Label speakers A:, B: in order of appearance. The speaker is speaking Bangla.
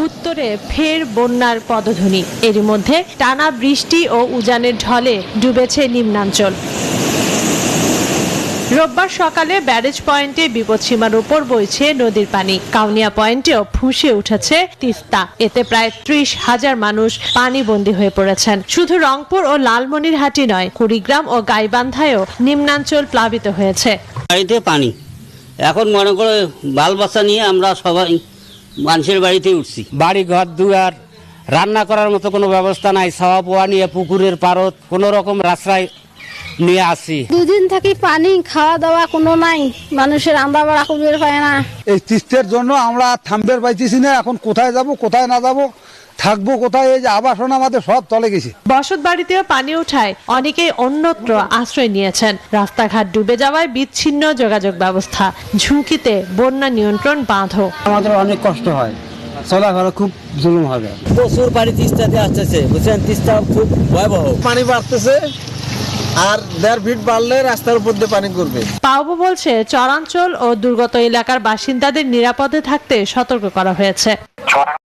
A: উত্তরে ফের বন্যার পদধ্বনি। এরই মধ্যে টানা বৃষ্টি ও উজানের ঢলে ডুবেছে নিম্নাঞ্চল। রোববার সকালে ব্যারেজ পয়েন্টে বিপদসীমার উপর বইছে নদীর পানি। কাউনিয়া পয়েন্টেও ফুঁসে উঠেছে তিস্তা। এতে প্রায় ৩০,০০০ মানুষ পানিবন্দী হয়ে পড়েছেন। শুধু রংপুর ও লালমনিরহাটি নয়, কুড়িগ্রাম ও গাইবান্ধায়ও নিম্নাঞ্চল প্লাবিত হয়েছে।
B: বাড়িতে পানি, এখন মনে করে বাল বাচ্চা নিয়ে আমরা সবাই মানুষের বাড়িতে উঠছি।
C: বাড়ি ঘর দুয়ার, রান্না করার মতো কোনো ব্যবস্থা নাই। ছাওয়া পোয়া নিয়ে পুকুরের পারত কোনো রকম রাস্তায় নিয়ে আসি।
D: দুদিন থেকে পানি, খাওয়া দাওয়া কোনো নাই, মানুষের রান্না বাড়া বের হয় না।
E: এই তিস্তার জন্য আমরা থামবের পাইতেছি না। এখন কোথায় যাব, কোথায় না যাব, থাকবো কোথায়? এই যে আবাসন আমাদের সব চলে গেছে।
A: বসত বাড়িতেও পানি ওঠায় অনেকেই অন্যত্র আশ্রয় নিয়েছেন। রাস্তাঘাট ডুবে যাওয়ায় বিচ্ছিন্ন যোগাযোগ ব্যবস্থা। ঝুঁকিতে বন্যা নিয়ন্ত্রণ বাঁধও।
C: আমাদের অনেক কষ্ট হয়, চলাফেরা খুব জুলুম হবে।
B: প্রচুর পানি তিস্তাতে আসতেছে, বুঝছেন, তিস্তা খুব ভয়াবহ।
F: পানি বাড়তেছে, আর 1.5 ফিট বাড়লে রাস্তার উপর দিয়ে পানি করবে।
A: পাওবো বলছে, চরাঞ্চল ও দুর্গত এলাকার বাসিন্দাদের নিরাপদে থাকতে সতর্ক করা হয়েছে।